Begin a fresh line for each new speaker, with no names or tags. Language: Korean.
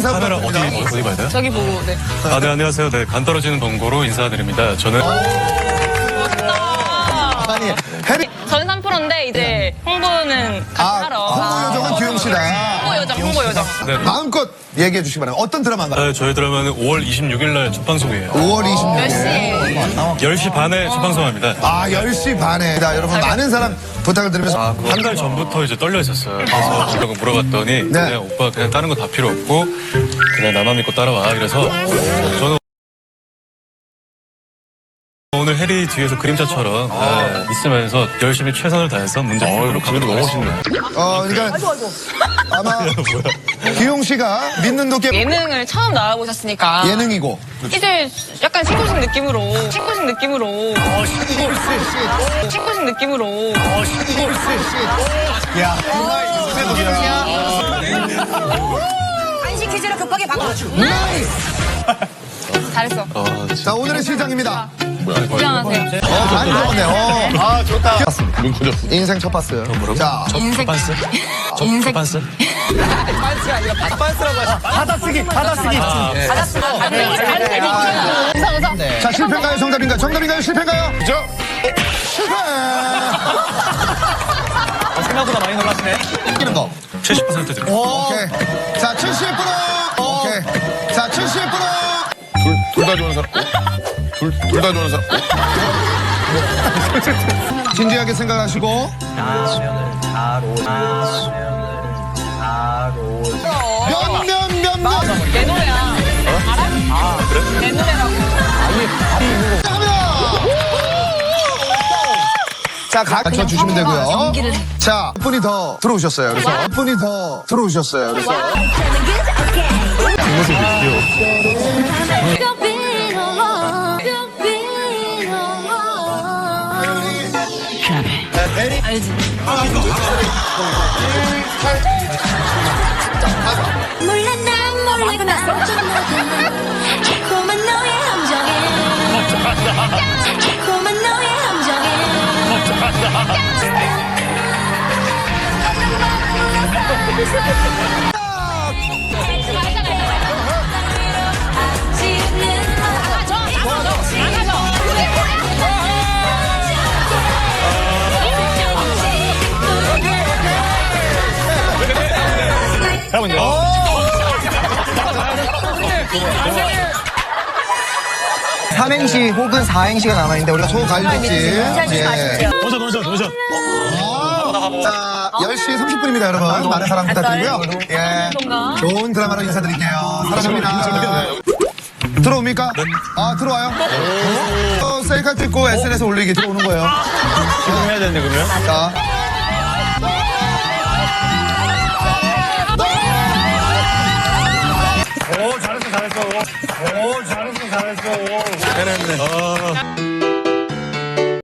인사
카메라
부탁드립니다.
어디 봐야 돼요?
저기 보고, 네.
네, 안녕하세요. 네, 간 떨어지는 동고로 인사드립니다. 저는
아니, 해리.
저는 3%인데, 이제 홍보는 같이 하러.
홍보 요정은 규영 씨다.
홍보 요정.
네,
마음껏 얘기해 주시기 바랍니다. 어떤 드라마인가요?
저희 드라마는 5월 26일 날 첫 방송이에요.
5월 26일.
몇 시에?
10시 반에 첫 방송합니다.
10시 반에. 자, 여러분, 많은 사람 부탁을 드리면서.
한 달 전부터 이제 떨려 있었어요. 그래서 제가 물어봤더니
네.
그냥 오빠 그냥 다른 거 다 필요 없고 그냥 나만 믿고 따라와. 그래서 저는 오늘 해리 뒤에서 그림자처럼 있으면서 열심히 최선을 다해서 문제 풀도록 하도록 하겠습니다.
그러니까. 아마. 규영 씨가 믿는 도깨
예능을 처음 나와보셨으니까.
예능이고.
이제 약간 신고식 느낌으로. 신고식 느낌으로. 신고식 느낌으로.
야.
간식 퀴즈로 급하게 바꿔.
잘했어.
자, 오늘의 실장입니다.
구경하세요.
많이 적었네. 아, 좋다.
눈 커졌어.
인생 첫 파스. 자,
인생.
반스?
인생.
반스?
웃어.
자, 실패인가요? 정답인가요? 정답인가요? 실패인가요? 실패!
생각보다 많이 놀라시네.
이기는 거.
70% 드립니다.
오케이. 자, 70%! 오케이. 자, 70%!
둘 다 좋은 사람. 둘 다 좋은 사람.
진지하게 생각하시고. 몇.
내 노래야. 알아? 그래? 내 노래라고.
자, 갖춰주시면 되고요. 자, 한 분이 더 들어오셨어요. 그래서 한 분이 더 들어오셨어요. 그래서.
알지?
몰라 난 모르고 나 자꾸만 너의 함정에 자꾸만 너의 함정에
삼행시 혹은 사행시가 남아있는데 우리가
소갈비찜. 예.
도전.
자, 10시 30분입니다, 여러분. 많은 사랑 부탁드리고요. 예. 좋은 드라마로 인사드릴게요. 사랑합니다. 들어옵니까? 아, 들어와요? 셀카 찍고 SNS에 올리기 들어오는 거예요.
지금 해야 되는데 그러면?
자.
오 잘했어.
해냈네.